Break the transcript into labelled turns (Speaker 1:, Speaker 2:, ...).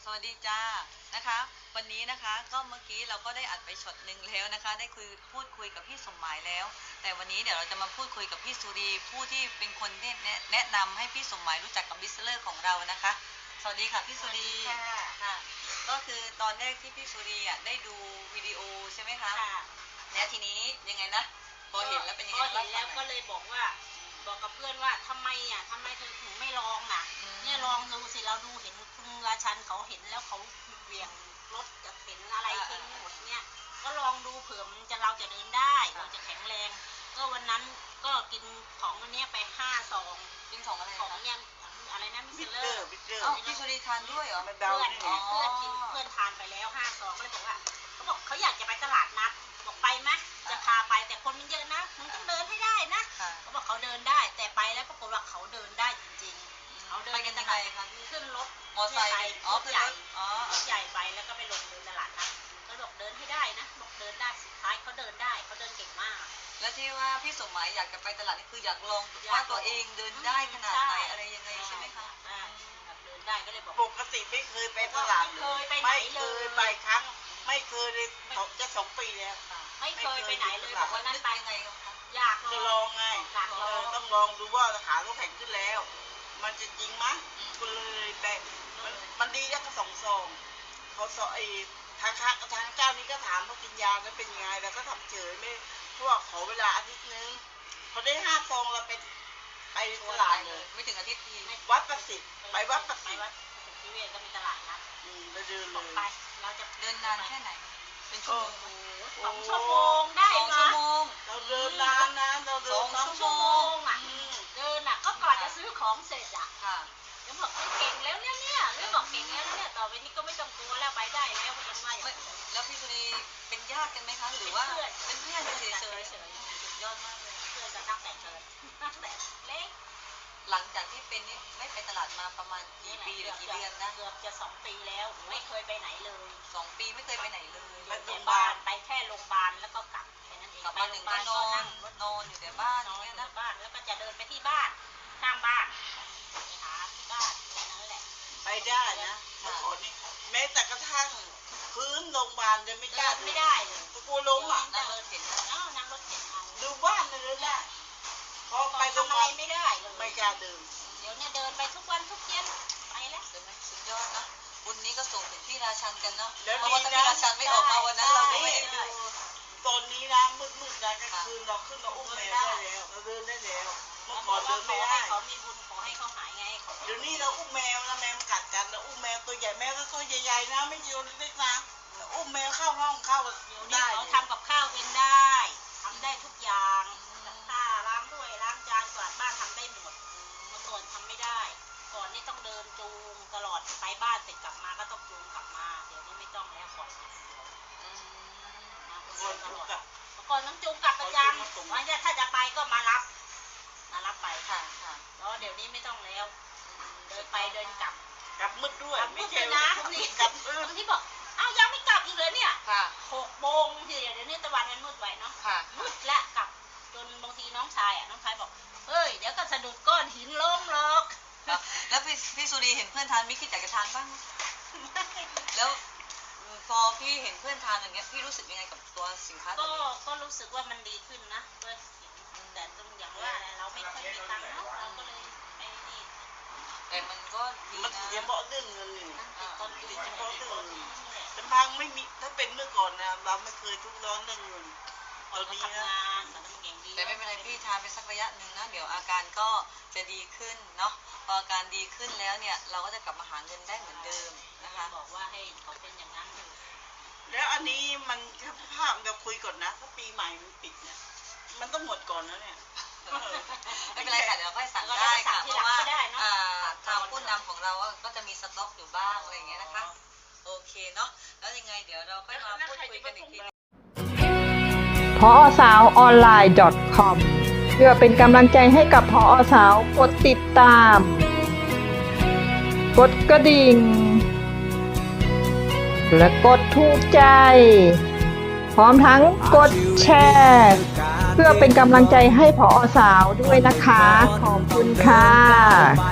Speaker 1: สวัสดีจ้านะคะวันนี้นะคะก็เมื่อกี้เราก็ได้อัดไปช็อตหนึ่งแล้วนะคะได้พูดคุยกับพี่สมหมายแล้ว แต่วันนี้เดี๋ยวเราจะมาพูดคุยกับพี่สุรีผู้ที่เป็นคนแนะนำให้พี่สมหมายรู้จักกับบิสเลอร์ของเรานะคะสวัสดีค่ะพี่สุรีค่ะก็คือตอนแรกที่พี่สุรีได้ดูวิดีโอใช่ไหมคะแล้วทีนี้ยังไงนะพอเห็นแล้วเป็นยังไงพอเห็นแล้ว
Speaker 2: ก็เลยบอกกับเพื่อนว่าทำไมเธอถึงไม่ลองเนี่ยลองดูสิเราดูเห็นคุณราชันเขาเห็นแล้วเขาเวียงรถจะเห็นอะไรทิ้งหมดเนี่ยก็ลองดูเผื่อเราจะเดินได้เราจะแข็งแรงก็วันนั้นก็กินของวันนี้ไป5 ซอง
Speaker 1: กินของอะไร
Speaker 2: ของเนี่ยอะไรนะมิสเลอร์
Speaker 1: พี่สุรีทานด้วยเหรอ
Speaker 2: เพื่อนกินเพื่อนทานไปแล้ว5 ซองก็เลยบอกว่าเขาบอกเขาอยากจะไปตลาดนัดบอกไปไหมจะพาไปแต่คนมันเยอะนะมึงต้องเดินให้ได้นะเขาบอกเขาเดินได้แต่ไปแล้วปรากฏว่าเขาเดินได้จริงๆเขาเดินกันยังไงคะขึ้นรถ
Speaker 1: มอเตอร์ไซค์
Speaker 2: รถใหญ่ใหญ่ไปแล้วก็ไปลงเดินตลาดนัดเขาบอกเดินให้ได้นะบอกเดินได้สุดท้ายเขาเดินได้เขาเดินเก่งมาก
Speaker 1: แล้วที่ว่าพี่สมหมายอยากจะไปตลาดนี่คืออยากลองว่าตัวเองเดินได้ขนาดไหนอะไรยังไงใช่ไหมคะ
Speaker 2: เดินได้ก็เลยบอก
Speaker 3: ปกติไม่เคยไปตลาดไม่เคยไปครั้งไม่เคยเลยจะ2 ปีแล้ว
Speaker 2: ไม่เคยไปไหนเลยบอกว่านั้นไปไงอยาก
Speaker 3: จะลองไงต้องลองดูว่าขาเขาแข็งขึ้นแล้วมันจะจริงไหมก็เลยไปมันดีแล้วก็2 ซองเขาสอนทางเจ้านี้ก็ถามว่ากินยาแล้วเป็นยังไงแล้วก็ทำเฉยไม่เพราะว่าขอเวลาอาทิตย์นึงเขาได้5 ซองเราไปตลาดเลย
Speaker 1: ไม่ถึงอาทิตย์ที
Speaker 3: วัดประสิทธิ์ไปวัดประสิทธิ์
Speaker 2: ที่เวรก็มีตลาดนัด
Speaker 3: เราเดินเลย
Speaker 2: ไปเราจะ
Speaker 1: เดินนานแค่ไหนเป็นชั่วโมง
Speaker 2: 2 ชั่วโมงได้
Speaker 1: 2 ชั่วโมง
Speaker 3: เราเดินนานนะเราเดิน
Speaker 2: 2 ชั่วโมงเดินก็ก่อนจะซื้อของเสร็จยังบอกเก่งแล้วเนี่ยไม่บอกเก่งแล้วเนี่ยต่อไปนี้ก็ไม่ต้องกลัวแล้วไปได้แล้วเป็นว่าอย่าง
Speaker 1: แล้วพี่สุรีเป็นญาติกันไหมคะหรือว่าเป็นเพื่อนเฉยสุดยอดมากเลย
Speaker 2: เพื่อนกันตั้งแต่เล็ก
Speaker 1: หลังจากที่เป็นนี่ไม่ไปตลาดมาประมาณกี่ปีหรือกี่เดือนนะ
Speaker 2: เกือบจะ2 ปีแล้วไม่เคยไปไหนเลย
Speaker 1: 2 ปีไม่เคยไปไหนเลย
Speaker 2: ไปโรงพยาบาลไปแค่โรงพยาบาลแล้วก็กลับแค่นั้นเอง
Speaker 1: กลับมาถึงก็นอนอยู่แต่บ้าน
Speaker 2: เนี่ยนะบ้านแล้วก็จะเดินไปที่บ้านข้างบ้านไปหาที่บ้านนั่นแหละ
Speaker 3: ไปได้นะเมื่อก่อนนี่แม้แต่กระทั่งพื้นโรงพยาบาลจะไม่กล้า
Speaker 2: ไม่ได้
Speaker 3: กลัวล้ม
Speaker 1: นั่งรถเข็น
Speaker 2: นั่งรถเข็น
Speaker 3: ดูบ้านเลยได้พอไปโรงพยาบาล
Speaker 2: ไม่ได้
Speaker 3: ไม่กล้าเดิน
Speaker 2: เดี๋ยวเนี่ยเดินไปทุกวันทุกเย็นไปแล้ว
Speaker 1: เดินไหมสุดยอดนะบุญนี้ก็ส่งถึงพี่ราชันกันเนาะเพราะว่าถ้าพี่ราชันไม่ออกมาวันนั้นเราไม่ได้ดู
Speaker 3: ตอนนี้นะมืดนะกลางคืนเราขึ้นมาอุ้มแมวได้แล้วเราเดินได้แล้วเมื่อก่อนเดินไม่ได้
Speaker 2: เขามีบุญขอให้เขาหายไง
Speaker 3: เดี๋ยวนี้เราอุ้มแมวนะแมวมันกัดกันเราอุ้มแมวตัวใหญ่แมวตัวใหญ่ๆนะไม่ใช่ตัวเล็กนะอุ้มแมวเข้าห้องเข้า
Speaker 2: ได้เขาทำกับข้าวเองได้ทำได้ทุกอย่างถ้าล้างถ้วยล้างจานกวาดบ้านทำได้หมดเมื่อก่อนทำไม่ได้ก่อนนี่ต้องเดินจูงตลอดไปบ้านเสร็จกลับมาก็ต้องจูงกลับมาเดี๋ยวนี้ไม่ต้องแล้วก่อนก่อนต้องจูงกลับประจำว่าถ้าจะไปก็มารับไป
Speaker 1: ค่ะ
Speaker 2: แล้วเดี๋ยวนี้ไม่ต้องแล้วเดินไปเดินกลับ
Speaker 3: มืดด้วย
Speaker 2: ไม่ใช่นะนี่กลับบางทีบอกอ้าวยังไม่กลับอีกเลยเนี่ย6 โมงทีเดี๋ยวนี้ตะวันมันมืดไวเนาะมืดและกลับจนบางทีน้องชายบอกเฮ้ยเดี๋ยวก็สะดุดก้อนหินล้มหรอก
Speaker 1: แล้วพี่สุรีเห็นเพื่อนทานไม่คิดอยากจะทานบ้างแล้วพอพี่เห็นเพื่อนทานอย่างเงี้ยพี่รู้สึกยังไงกับตัวสินค้าตัวนี้
Speaker 2: ก็รู้สึกว่ามันดีขึ้นนะเพื่อนแต่ตรงอย่างว่าเราไม่ค่อยมีตังค์เนาะเราก็เลยไปนี่
Speaker 1: แต่มันก็ดีนะ
Speaker 3: เฉพาะเรื่องเงินนี่เฉพาะเรื่องเงินแต่พังไม่มีถ้าเป็นเมื่อก่อนนะเราไม่เคยทุกข์ร้อนเรื่องเงิน
Speaker 2: ตอนนี้นะ
Speaker 1: แต่ไม่เป็นไรพี่ทานไปสักระยะหนึ่งนะเดี๋ยวอาการก็จะดีขึ้นเนาะพออาการดีขึ้นแล้วเนี่ยเราก็จะกลับมาหาเงินได้เหมือนเดิมนะคะ
Speaker 2: บอกว่าให้เขาเป็นอย่างนั้น
Speaker 3: แล้วอันนี้มันภาพเราคุยก่อนนะถ้าปีใหม่มันปิดเนี่ยมันต้องหมดก่อนแล้วเนี่ย
Speaker 1: ไม่เป็นไรค่ะเดี๋ยวเราค่อยสั่งได้ค่ะเพราะว่าทางผู้นำของเราก็จะมีสต็อกอยู่บ้างอะไรอย่างเงี้ยนะคะโอเคเนาะแล้วยังไงเดี๋ยวเราค่อยมาพูดคุยกันอีกที
Speaker 4: ผอสาวออนไลน์ .com เพื่อเป็นกำลังใจให้กับผอสาวกดติดตามกดกระดิ่งและกดถูกใจพร้อมทั้งกดแชร์เพื่อเป็นกำลังใจให้ผอสาวด้วยนะคะขอบคุณค่ะ